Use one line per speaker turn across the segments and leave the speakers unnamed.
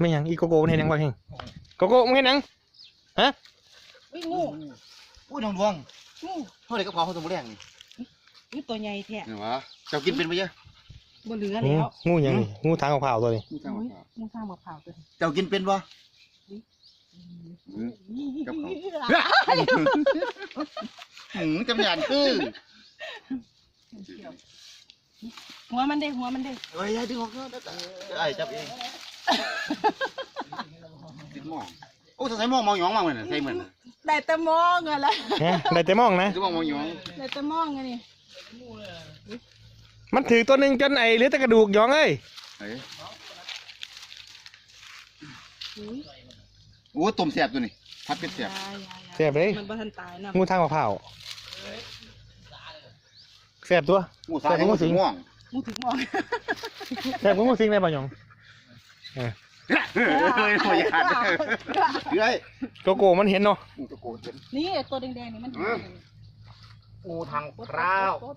ไม่ยังอีโกโก้มันเห็นยังบ้างเฮงโกโก้มันเห็นยังฮะ
อุ้ยงู
อุ้ยน้องดวง
งู
เท่าไหร่ก็พอเขาตัวแรงนี่
นี่ตัวใหญ่แท้
เห็นวะเจ้ากินเป็นไปเยอะ
บ่เหลือ
งู
แล้ว
งูยังนี่งูทางเผาตัวนี้
งูทาง
อุ้ย
มะพร้าว
งูข้างมะพร้าวตัวนี้
เจ้ากินเป็นปะ กับเขา จำหยาดคือ
หัวมันได้หัวมันได้
เฮ้ยดึงออกก็ได้ไอ้จับเองติดหม้อโอ้ใส่หม้อมองหยองมาเหมือนใส่เหมือน
ได้แต่มองอะไร
ฮะได้แต่มองนะ
ใส่หม้อมองหยอง
ได้แต่มองไงนี่
มันถือตัวหนึ่งจนไอ้เหลือแต่กระดูกหยองเอ้ย
เฮ้ย
อุ้ย
โอ้ต้มแสบตัวนี้พัดเป็ดแสบ
แซ่บเลย
มันบ่ทันตายนะ
งูทางเผาแซ่บตัว
งูสายงูสีม่วง
งูถึงมอง
แซ่บงูสิงได้ป่ะหยอง
เฮ้ยหัวขาดเฮ้ย
โกโก้มันเห็นเนาะ
งูตะโกนเป็น
นี่ตัวแดงๆนี่มัน
งูทางพราว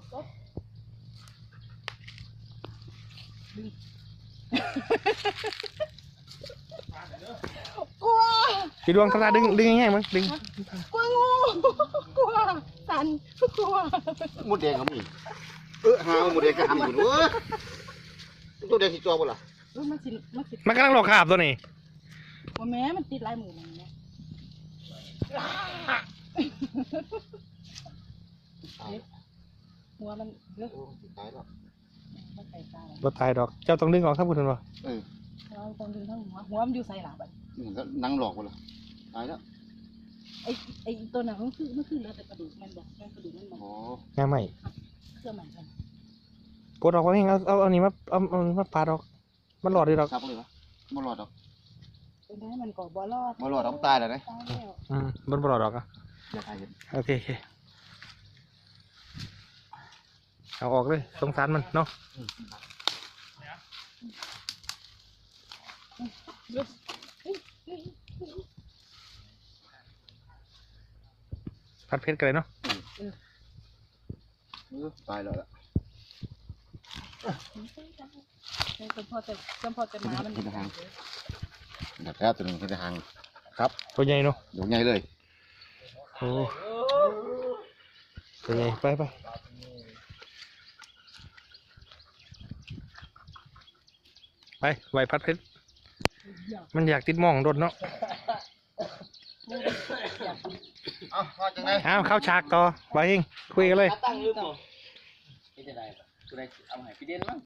กลัว
พี่ดวงตาดึงง่ายๆมั้งดึง
กลัวงูกลัวสันกลัว
มดแดงเขามีหาหมดแดงก็ทำอยู่เว้ยตัวแดงสีจอบ่ล่ะ
มันสิ
มันกำลังหลอกขาบตัวนี้
ว่าแม่มันติดลายหมูมันเนี่ยหัวมันเลือก
ตายแล้ว
มันใส่ตา
บ่ตายดอกเจ้าต้องดึงออกครับคุณผู้ชม
เราต้องดึงทั้งหัวมันอยู่ใส่หลับอ่ะ
มันก็นั่งหลอกบ่ล่ะตายแล้ว
ไอตัวหนังมันคือเหลือแต่กระดูกมันบอกกระดูกมันบอก
อ๋อ
ง่ายไหม
เครื่องมันกัน
ปวดออกมาเองเอานี่มาปาดออกมันหลอดดีดอก
ซับเลยวะบ่รอดดอก
เป็นได้มันก็บ่รอด
บ่รอดดอกตายแล้วนะ
ตายแล้ว
มันบ่หลอดดอกอ่ะ
อย่าตายเห็น
โอเคเอาออกเลยสงสารมันเนาะผัดเผ็ดกันเลยเนาะ
ตายแล้วล่ะ
จนพอจะมามัน
เห็นทางดับแท้ตัวนึงเห็นทางครับ
ตัวใหญ่เนาะ
อยู่ใหญ่เลย
โอ้ตัวใหญ่ไปไหวผัดเผ็ดมันอยากติดหมองโดนเนาะ
เอาพอจังไง
อ้าวเข้าฉากต่อไปเองคุยกันเลย
ตั้งลืมบ่เป็นจะได้กูได้เอาให้พี่เด่นมั้ง